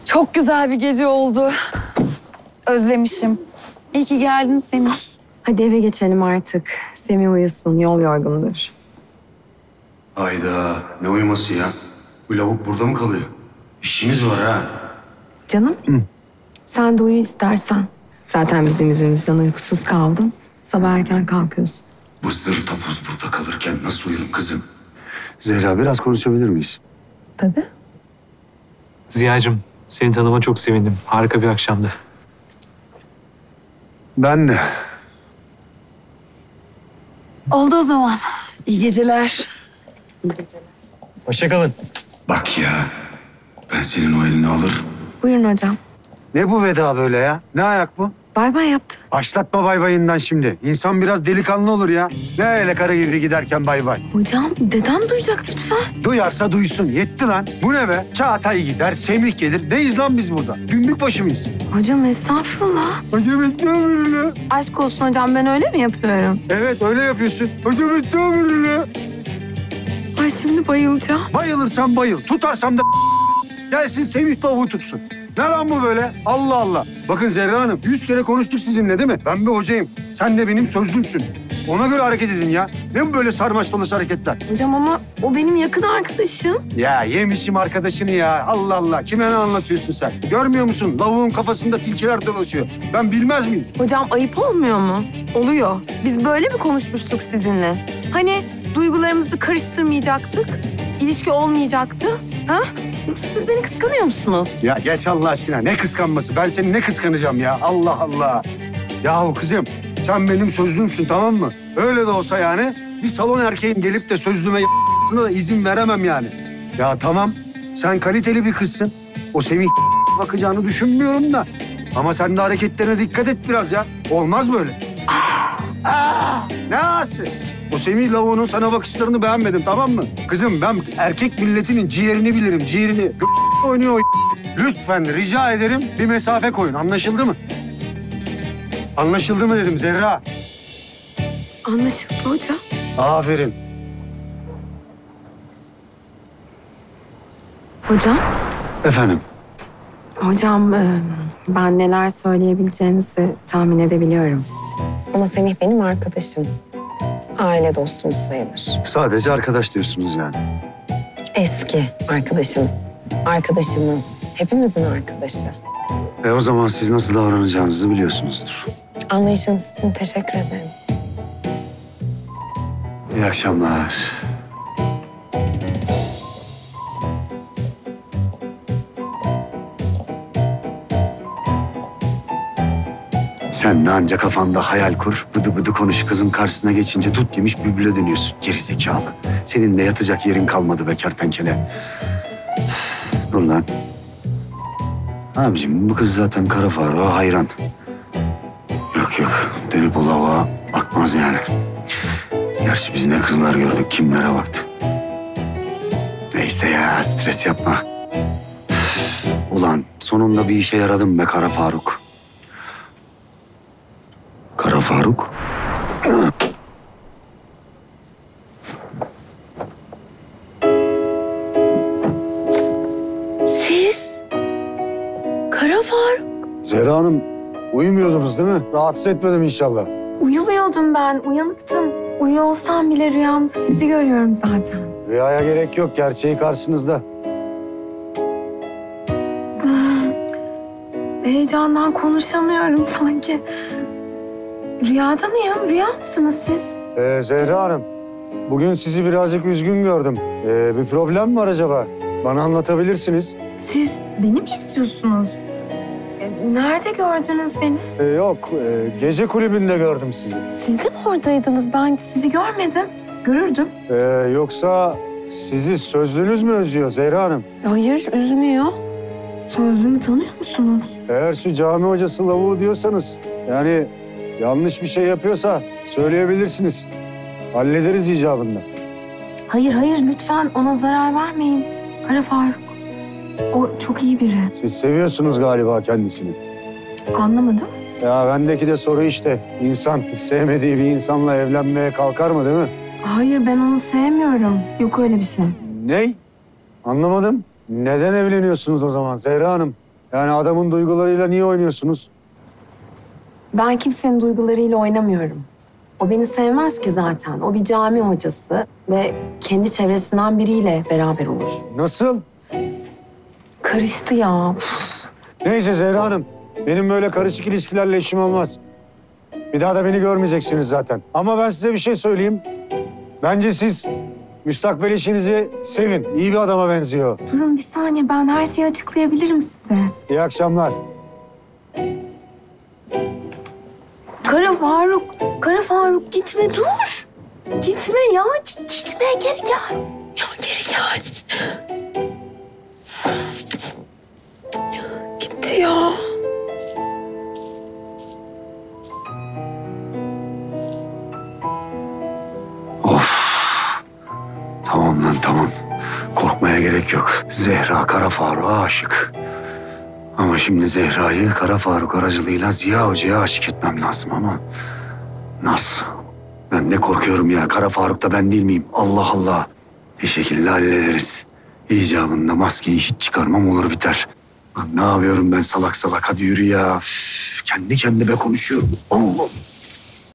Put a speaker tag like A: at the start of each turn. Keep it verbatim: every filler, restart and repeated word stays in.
A: Çok güzel bir gece oldu. Özlemişim. İyi ki geldin Semih.
B: Hadi eve geçelim artık. Semih uyusun, yol yorgundur.
C: Hayda, ne uyuması ya? Bu lavuk burada mı kalıyor? İşimiz var ha.
B: Canım, Hı. sen de uyu istersen. Zaten bizim yüzümüzden uykusuz kaldın. Sabah erken kalkıyorsun.
C: Bu zır tapuz burada kalırken nasıl uyurum kızım?
D: Zehra, biraz konuşabilir miyiz?
B: Tabii.
E: Ziya'cığım, seni tanıma çok sevindim. Harika bir akşamdı.
D: Ben de.
A: Oldu o zaman. İyi geceler.
E: Hoşça kalın.
C: Bak ya, ben senin o elini alır.
B: Buyurun hocam.
D: Ne bu veda böyle ya? Ne ayak bu?
B: Bay bay yaptı.
D: Başlatma bay bayından şimdi. İnsan biraz delikanlı olur ya. Ne öyle kara gibi giderken bay bay.
B: Hocam, dedem duyacak lütfen.
D: Duyarsa duysun. Yetti lan. Bu ne be? Çağatay gider, Semih gelir. Neyiz lan biz burada? Günlük başı mıyız?
B: Hocam estağfurullah.
D: Hocam estağfurullah.
B: Aşk olsun hocam, ben öyle mi yapıyorum?
D: Evet, öyle yapıyorsun. Hocam estağfurullah.
B: Ay şimdi bayılacağım.
D: Bayılırsan bayıl. Tutarsam da gelsin Semih lavuğu tutsun. Ne lan bu böyle? Allah Allah. Bakın Zehra Hanım, yüz kere konuştuk sizinle değil mi? Ben bir hocayım. Sen de benim sözlümsün. Ona göre hareket edin ya. Ne bu böyle sarmaş dolaş hareketler?
B: Hocam ama o benim yakın arkadaşım.
D: Ya yemişim arkadaşını ya. Allah Allah. Kime ne anlatıyorsun sen? Görmüyor musun? Lavuğun kafasında tilkiler dolaşıyor. Ben bilmez miyim?
B: Hocam ayıp olmuyor mu? Oluyor. Biz böyle mi konuşmuştuk sizinle? Hani duygularımızı karıştırmayacaktık, ilişki olmayacaktı. Ha? Yoksa siz beni kıskanıyor musunuz?
D: Ya geç Allah aşkına. Ne kıskanması? Ben seni ne kıskanacağım ya? Allah Allah. Yahu kızım, sen benim sözlümsün, tamam mı? Öyle de olsa yani bir salon erkeğin gelip de sözlüme y***sına da izin veremem yani. Ya tamam, sen kaliteli bir kızsın. O Semih bakacağını düşünmüyorum da. Ama sen de hareketlerine dikkat et biraz ya. Olmaz böyle. Ah, ne ağası? O Semih lavuğunun sana bakışlarını beğenmedim, tamam mı? Kızım, ben erkek milletinin ciğerini bilirim, ciğerini. Oynuyor o. Lütfen rica ederim bir mesafe koyun. Anlaşıldı mı? Anlaşıldı mı dedim Zehra.
B: Anlaşıldı hocam.
D: Aferin.
B: Hocam?
D: Efendim?
B: Hocam e, ben neler söyleyebileceğinizi tahmin edebiliyorum. Ama Semih benim arkadaşım. Aile dostumuz sayılır.
D: Sadece arkadaş diyorsunuz yani.
B: Eski arkadaşım. Arkadaşımız. Hepimizin arkadaşı.
D: E o zaman siz nasıl davranacağınızı biliyorsunuzdur.
B: Anlayışınız için teşekkür ederim.
D: İyi akşamlar. Sen de anca kafanda hayal kur, bıdı bıdı konuş. Kızın karşısına geçince tut demiş bülbüle dönüyorsun. Geri zekalı. Senin de yatacak yerin kalmadı be kertenkele. Dur lan. Abiciğim bu kız zaten kara Faruk'a hayran. Yok yok, dönüp o lavuğa bakmaz yani. Gerçi biz ne kızlar gördük, kimlere baktı. Neyse ya, stres yapma. Ulan sonunda bir işe yaradım be Kara Faruk. Kara Faruk?
B: Siz? Kara Faruk.
D: Zehra Hanım, uyumuyordunuz değil mi? Rahatsız etmedim inşallah.
B: Uyumuyordum ben, uyanıktım. Uyuyor olsam bile rüyamda sizi görüyorum zaten.
D: Rüyaya gerek yok, gerçeği karşınızda.
B: Hmm. Heyecandan konuşamıyorum sanki. Rüyada mıyım? Rüya mısınız siz?
D: Ee, Zehra Hanım, bugün sizi birazcık üzgün gördüm. Ee, bir problem mi var acaba? Bana anlatabilirsiniz.
B: Siz beni mi istiyorsunuz? E, Nerede gördünüz beni?
D: Ee, yok, e, gece kulübünde gördüm sizi.
B: Siz de mi oradaydınız? Ben sizi görmedim. Görürdüm.
D: Ee, yoksa sizi sözlünüz mü özlüyor Zehra Hanım?
B: Hayır, üzmüyor. Sözlüğümü tanıyor musunuz?
D: Eğer şu cami hocası lavuğu diyorsanız, yani yanlış bir şey yapıyorsa söyleyebilirsiniz. Hallederiz icabında.
B: Hayır, hayır. Lütfen ona zarar vermeyin. Kara Faruk. O çok iyi biri.
D: Siz seviyorsunuz galiba kendisini.
B: Anlamadım.
D: Ya bendeki de soru işte. İnsan hiç sevmediği bir insanla evlenmeye kalkar mı değil mi?
B: Hayır, ben onu sevmiyorum. Yok öyle bir şey.
D: Ney? Anlamadım. Neden evleniyorsunuz o zaman Zehra Hanım? Yani adamın duygularıyla niye oynuyorsunuz?
B: Ben kimsenin duygularıyla oynamıyorum. O beni sevmez ki zaten. O bir cami hocası ve kendi çevresinden biriyle beraber olur.
D: Nasıl?
B: Karıştı ya.
D: Neyse Zehra Hanım. Benim böyle karışık ilişkilerle işim olmaz. Bir daha da beni görmeyeceksiniz zaten. Ama ben size bir şey söyleyeyim. Bence siz müstakbel eşinizi sevin. İyi bir adama benziyor.
B: Durun bir saniye, ben her şeyi açıklayabilirim size.
D: İyi akşamlar.
B: Kara Faruk, Kara Faruk gitme dur. Gitme ya, gitme geri gel. Ya geri gel. Gitti ya.
C: Tamam lan tamam. Korkmaya gerek yok. Zehra Kara Faruk'a aşık. Ama şimdi Zehra'yı Kara Faruk aracılığıyla Ziya Hoca'ya aşık etmem lazım ama... Nasıl? Ben ne korkuyorum ya. Kara Faruk da ben değil miyim? Allah Allah. Bir şekilde hallederiz. İcabında maskeyi hiç çıkarmam olur biter. Lan ne yapıyorum ben salak salak? Hadi yürü ya. Üf, kendi kendime konuşuyorum. Allah.